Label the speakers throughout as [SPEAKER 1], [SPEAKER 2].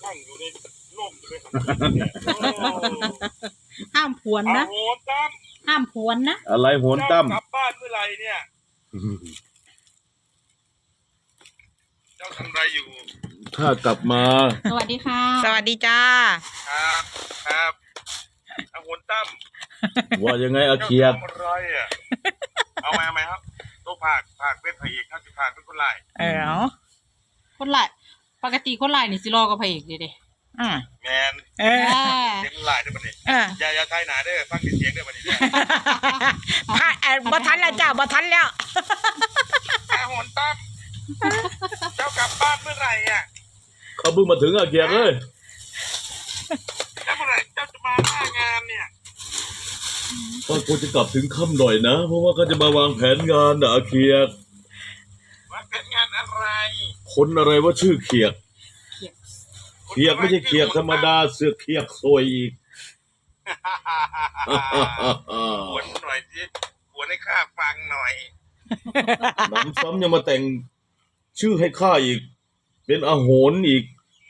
[SPEAKER 1] นั่งอยู่ในร่มเลย
[SPEAKER 2] ห้ามผวนนะ
[SPEAKER 1] โหนตั้ม
[SPEAKER 2] ห้ามผวนนะ
[SPEAKER 3] อะไรโหนตั้ม
[SPEAKER 1] กลับบ้านเมื่อไหร่เนี่ยเจ้าทำไรอยู่
[SPEAKER 3] ถ้ากลับมา
[SPEAKER 2] สวัสดีค่ะ
[SPEAKER 4] สวัสดีจ้า
[SPEAKER 1] ครับโหนตั้ม
[SPEAKER 3] ว่ายังไงอาเคียด
[SPEAKER 1] อะไรอ่ะเอาไหมครับตัวผากเป็นพระเอกครับผากเป็นคนไล่
[SPEAKER 2] คนไล่ปกติคนไล่นี่สิรอกับพระเอกเด้
[SPEAKER 1] แมนเสียงไล่ได้ปะเนี่ยอย่าทายหนาได้ฟังเสียงได้ปะเนี่ย
[SPEAKER 4] บ่ทันแล้วจ้าบ่ทันแล้ว
[SPEAKER 1] โหนตั้มเจ้ากลับบ้านเมื่อไหร่อ่ะ
[SPEAKER 3] เขาเพิ่งมาถึงอาเคียดเลย
[SPEAKER 1] แล้วเมื่อไหร่เจ้าจะมาหน้างานเนี่ย
[SPEAKER 3] ก็ควรจะกลับถึงค่ำหน่อยนะเพราะว่าเขาจะมาวางแผนงานนะอาเคียด
[SPEAKER 1] วางแผนงานอะไร
[SPEAKER 3] คนอะไรว่าชื่อเคียดเคียดไม่ใช่เคียดธรรมดาเสือเคียดซวยอีก
[SPEAKER 1] หวนหน่อยสิหวนให้ข้าฟังหน่อย
[SPEAKER 3] น้ำซ้ำยังมาแต่งชื่อให้ข้าอีกเป็นอาโหนอีก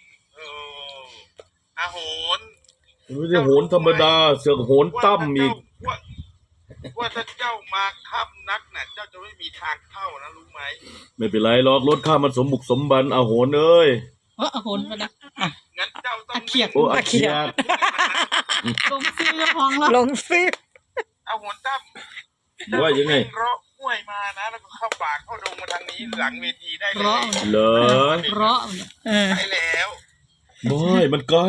[SPEAKER 1] อาโหน
[SPEAKER 3] ไม่ใช่โหนธรรมดาเสือกโหนตั้มอีก
[SPEAKER 1] ว่าถ้าเจ้ามาค่ำนักน่ะเจ้าจะไม่มีทางเข้านะรู้ไหม
[SPEAKER 3] ไม่เป็นไรหรอกรถข้ามันสมบุกสมบันอาโหนเอ้ย
[SPEAKER 2] อาโหนมานะ
[SPEAKER 1] งั้นเจ้าต้อง
[SPEAKER 2] เขียด
[SPEAKER 3] อาเขียด
[SPEAKER 2] ลงซื้อห้องแล้ว
[SPEAKER 4] ลงซื้อ
[SPEAKER 1] อาโหนตั้ม
[SPEAKER 3] ว่ายังไง
[SPEAKER 1] รอห้วยมานะแล้วก็เข้าป่าเข้าดงมาทางนี้หลังเวทีได้เลย
[SPEAKER 3] เหรอ
[SPEAKER 1] ไปแล้ว
[SPEAKER 3] ไม่มันไกล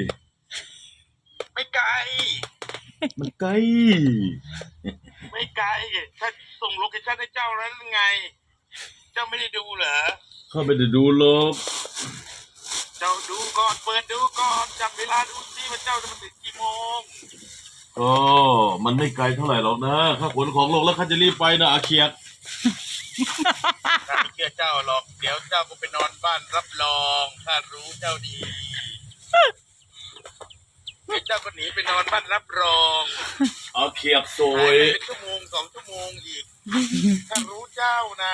[SPEAKER 1] ไม่ไกล
[SPEAKER 3] มันไกล
[SPEAKER 1] ไม่ไกลถ้าส่งโลเคชั่นให้เจ้าแล้วไงเจ้าไม่ได้ดูเหรอ
[SPEAKER 3] ข้าไม่ได้ดูหรอก
[SPEAKER 1] เจ้าดูก่อนเปิดดูก่อนจับเวลาดูสิว่าเจ้าจะมาถึงกี่โมง
[SPEAKER 3] ก็มันไม่ไกลเท่าไหร่หรอกนะข้าขนของลงแล้วข้าจะรีบไปนะอาเคียด
[SPEAKER 1] ข้าไม่เชื่อเจ้าหรอกเดี๋ยวเจ้าก็ไปนอนบ้านรับรองข้ารู้เจ้าดีเจ้าก็หนีไปนอนบ้านรับรอง
[SPEAKER 3] อาเคียดซวย
[SPEAKER 1] เป็นชั่วโมง2 ชั่วโมงอีกข้ารู้เจ้านะ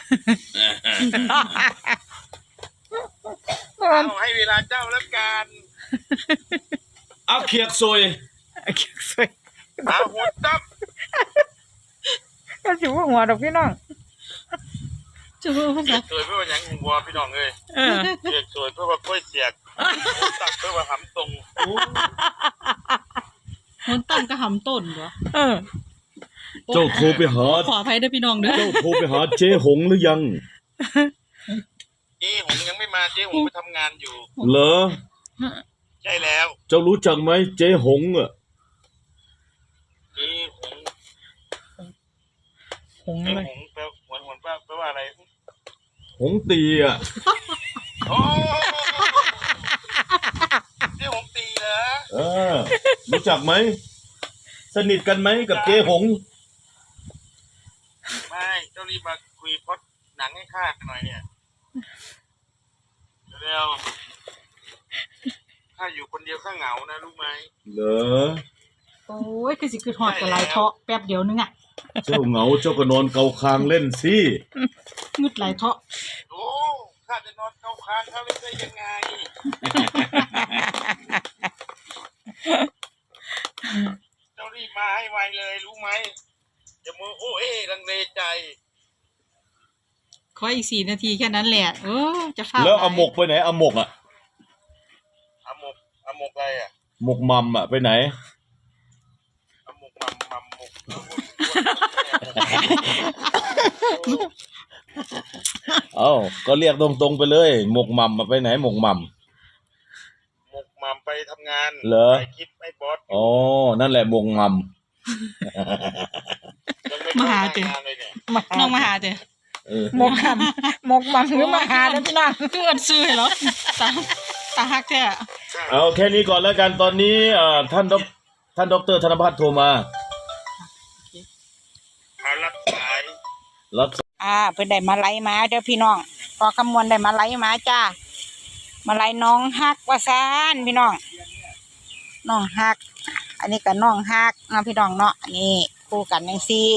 [SPEAKER 1] เอาให้เวลาเจ้าแล้วกัน
[SPEAKER 3] อาเคียดซวย
[SPEAKER 1] อาหัวตับ
[SPEAKER 4] ก็สิว่าหัวดอกพี่น้อง
[SPEAKER 2] จะว่าภาษา
[SPEAKER 1] สวยเพื่อว่าอย่างหัวพี่น้องเลยเสียกสวยเพื่อว่ากล้วยเสียกตับเพื่อว่าหำตรง
[SPEAKER 2] คนตั้งก็หำต้นเหรอ
[SPEAKER 3] เจ้าโทรไปหา
[SPEAKER 2] ขออภัยด้วยพี่น้องเด้อ
[SPEAKER 3] เจ้าโทรไปหาเจ๊หงหรือยัง
[SPEAKER 1] เจ๊หงยังไม่มาเจ๊หงไปทำงานอยู่
[SPEAKER 3] เหรอ
[SPEAKER 1] ใช่แล้ว
[SPEAKER 3] เจ้ารู้จักไหมเจ๊หงอ่ะ
[SPEAKER 1] เจ๊หง
[SPEAKER 4] อะไร
[SPEAKER 1] แปลว่าอะไร
[SPEAKER 3] หงตีอ่ะ
[SPEAKER 1] โอ้เจ๊หงตีเหรอ
[SPEAKER 3] รู้จักไหมสนิทกันไหมกับเจ๊หง
[SPEAKER 1] ไม่เจ้ารีบมาคุยพอดหนังให้ข้าหน่อยเนี่ยเร็วข้าอยู่คนเดียวข้าเหงานะรู้ไหม
[SPEAKER 3] เหรอ
[SPEAKER 2] โอ้ยคือสิคือหอดกับลายเทาะแป๊บเดียวนึงอ่ะ
[SPEAKER 3] เจ้าเหงาเจ้าก็นอนเกาคางเล่นสิ
[SPEAKER 2] งึดลายเทาะ
[SPEAKER 1] โอ้ข้าจะนอนเกาคางเขาเล่นได้ยังไงเจ้ารีบมาให้ไวเลยรู้ไหมจะมือโอ้ลังเลใจ
[SPEAKER 2] ขออีก4 นาทีแค่นั้นแหละจะฟ้า
[SPEAKER 3] แล้วเอาหมกไปไหนเอาหมกอ่ะ
[SPEAKER 1] เอาหมกอะไรอ่ะ
[SPEAKER 3] หมกมัมอ่ะไปไหน
[SPEAKER 1] เอาหมกมัมหมก
[SPEAKER 3] ก็เรียกตรงๆไปเลยหมกมัมไปไหนหมกมัม
[SPEAKER 1] ไปทำงาน
[SPEAKER 3] เหรอ
[SPEAKER 1] ไปคิดไม่บอส
[SPEAKER 3] นั่นแหละหมกมัม
[SPEAKER 2] มาหาเจ้น้องมาหาเจ้
[SPEAKER 4] หมกมัมหรือมาหาแล้วพี่น้อง
[SPEAKER 2] คืออันซื้อเหรอตาฮักแท้
[SPEAKER 3] เอาแค่นี้ก่อนแล้วกันตอนนี้ท่านดร.ธนภัทรโทรมา
[SPEAKER 1] รับสาย
[SPEAKER 4] เพิ่นได้มาไล่มาเด้อพี่น้องพอคำมวณได้มาไล่มาจ้ามาไล่น้องฮักว่าซานพี่น้องน้องฮักอันนี้ก็น้องฮักนะพี่น้องเนาะนี่คู่กันจังซี่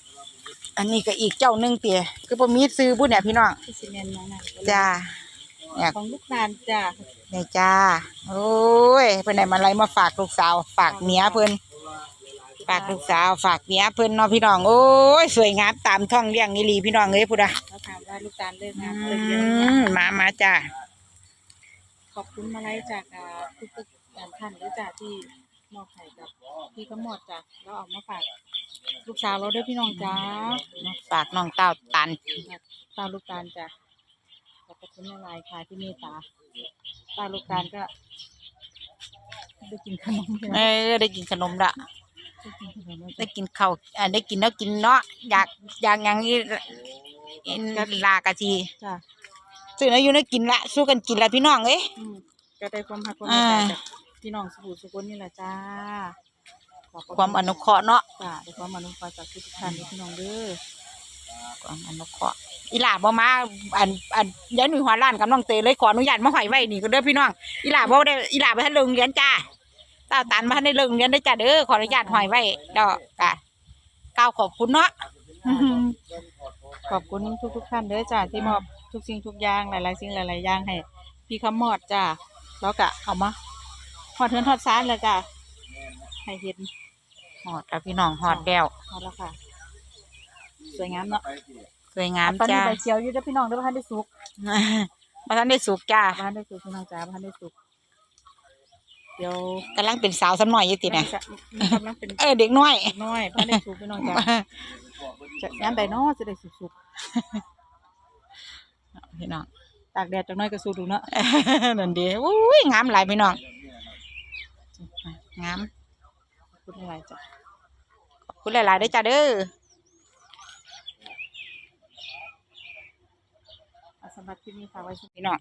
[SPEAKER 4] อันนี้ก็อีกเจ้านึงเตี่ยคือบ่มีซื้อบุญเนี่ยพี่น้องจ้าเนี่ย
[SPEAKER 2] ของลูกตาลจ้ะ
[SPEAKER 4] เนี่ยจ้าโอ้ยเพิ่นได้มาไล่มาฝากลูกสาวฝากเมียเพิ่นฝากลูกสาวฝากเมียเพิ่นเนาะพี่น้องโอ้ยสวยงามตามท้องเลี้ยงอีหลีพี่น้องเอ้ยพุดอ่ะ
[SPEAKER 2] เราถามว่าลูกตาลเลิกงาน
[SPEAKER 4] อื
[SPEAKER 2] เลิกเรียน
[SPEAKER 4] มาจ้า
[SPEAKER 2] ขอบคุณมาลัยจากทุกๆท่านด้วยจ้ะที่มอบให้กับพี่ขมอดจ้ะแล้วเอามาฝากลูกสาวเราด้วยพี่น้องจ้า
[SPEAKER 4] ฝากน้องเต้าตัน
[SPEAKER 2] ตาลูกตาลจ้ะขอบคุณมาลัยค่ะที่เมตตาตาลูกตาลก็ได้กินขนม
[SPEAKER 4] ได้กินขนมละ
[SPEAKER 2] ได้กินขนม
[SPEAKER 4] ได้กินข้าวได้กินแล้วกินเนาะอยากอย่างนี้ลากะที
[SPEAKER 2] จ้ะ
[SPEAKER 4] ซื้อแล้วอยู่ได้กินละสู้กันกินละพี่น้องเอ้ย
[SPEAKER 2] ก็ได้ความรักความเมตตาจากพี่น้องสุขุนนี่แหละจ้าขบพระ
[SPEAKER 4] ความอนุเคราะห์เนาะ
[SPEAKER 2] จ้ะได้ความอนุเคราะห์จากทุกท่านด้วยพี่น้องเด้อ
[SPEAKER 4] ความอนุเคราะห์อีหล่าบ่มายายหนุ่ยหัวล้านกับน้องเตยเลยขออนุญาตมาหอยไว้นี่ก็เด้อพี่น้องอีหล่าบ่ได้อีหล่าบ่ทันเลิกเรียนจ้าเต้าตันบ่ทันได้เลิกเรียนเด้อจ้าเด้อขออนุญาตหอยไว้ดอกกะกล่าวขอบคุณเนาะ
[SPEAKER 2] ขอบคุณทุกท่านเด้อจ้าที่มอบทุกสิ่งทุกอย่างหลายๆสิ่งหลายๆอย่างให้พี่คำมอดจ้าแล้วก็เอามาทอดเทือนทอดซานเลยจ้าให้เห็น
[SPEAKER 4] ฮอดแล้วพี่น้องฮอดแล้ว
[SPEAKER 2] เอาละค่ะสวยงามเนาะ
[SPEAKER 4] สวยงาม
[SPEAKER 2] ตอนนี้
[SPEAKER 4] จ้า
[SPEAKER 2] ใบเขียวอยู่เด้อพี่น้องเด้อบ่ทันได้สุก
[SPEAKER 4] บ่ทันได้สุกจ้า
[SPEAKER 2] บ่ทันได้สุกพี่น้องจ้าบ่ทันได้สุกเดี๋ยว
[SPEAKER 4] กำลังเป็นสาวซ้ำหน่อยอยู่ติเนี่ย
[SPEAKER 2] มันกำลังเป็น
[SPEAKER 4] เด็กน้อย
[SPEAKER 2] น้อยบ่ทันได้สุกพี่น้องจ้าจะยามใดเนาะจะได้สุก
[SPEAKER 4] พี่น้อง
[SPEAKER 2] ๆตากแดดจักหน่อยก็สุกดูเนาะ
[SPEAKER 4] นั่นเดีอุ้ยงามหลายพี่น้องงาม
[SPEAKER 2] ขอบคุณหลายๆจ้ะ
[SPEAKER 4] ขอบคุณหลายๆเด้อจ้าเด้อ
[SPEAKER 2] สำหรับที่นี่ฝากไว้ที่
[SPEAKER 4] พี่น้อง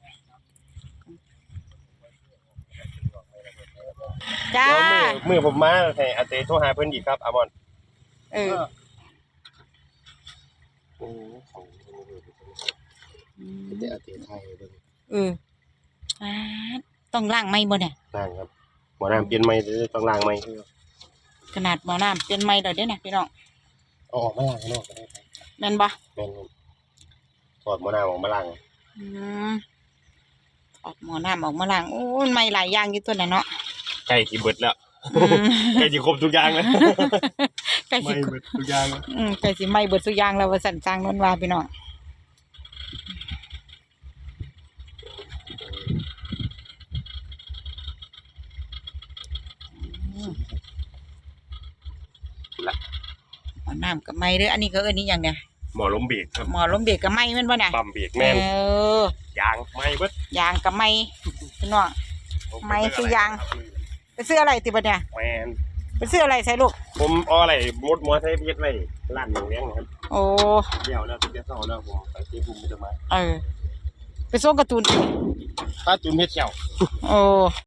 [SPEAKER 4] จ้า
[SPEAKER 5] เดี๋ยวมือผมมาให้อาเตโทรหาเพิ่นอีกครับอามอน
[SPEAKER 4] เออ
[SPEAKER 5] โอ้ของแต่อาเตไทยเบิ่ง
[SPEAKER 4] อ่าต้องล้างไหมบ่เนี่ย
[SPEAKER 5] ล้างครับหมอน้ำเปลี่ยนใหม่ต้องล้างใหม่คือ
[SPEAKER 4] ขนาดหมอน้ำเป็นไหมเลยเด้อเนี่ยพี่น้อง
[SPEAKER 5] เอาออกมาล้างข้างนอกก็ได้ครับ
[SPEAKER 4] แม่นบ่
[SPEAKER 5] แม่นครับถอดหมอน้ำออกมาล้าง
[SPEAKER 4] อืมออกหมอน้ำออกมาล้างโอ้ยไหมหลายอย่างอยู่ตัวน่ะเนาะ
[SPEAKER 5] ใกล้สิเบิดแล้ว
[SPEAKER 4] อืม
[SPEAKER 5] ใกล้สิครบทุกอย่างแล้ว
[SPEAKER 4] ใกล้
[SPEAKER 5] ไม่
[SPEAKER 4] สิ
[SPEAKER 5] เบิดทุกอย่างแล้ว
[SPEAKER 4] ใกล้สิไหมเบิดสุกอย่างแล้วว่าสั่นสร้างนนว่าพี่น้องหมอน้ำกับไหมเด้ออันนี้ก็เอิ้นนี่อย่างเนี่ย
[SPEAKER 5] หมอล้มเบรกครับ
[SPEAKER 4] หมอล้มเบรกกับไหมแม่นบ่เนี่ย
[SPEAKER 5] ปั๊มเบรกแม่น ยางไม่เบิด
[SPEAKER 4] ยางกับไหมพี่น้อง ไม่คือยาง ไปซื้ออะไรติบัดเนี่ย
[SPEAKER 5] แม่น
[SPEAKER 4] ไปซื้ออะไรใส่ลูก
[SPEAKER 5] ผมเอาอะไรมดใช้เฮ็ดไว้ร้านหมูเลี้ยงนะครับ
[SPEAKER 4] โอ้
[SPEAKER 5] เดี๋ยวแล้วเดี๋ยวเช้าแล้วผมไปที่ภูมิจะมา
[SPEAKER 4] ไปส่งการ์ตูน
[SPEAKER 5] ถ้าจุนเฮ็ดเขียว
[SPEAKER 4] โอ้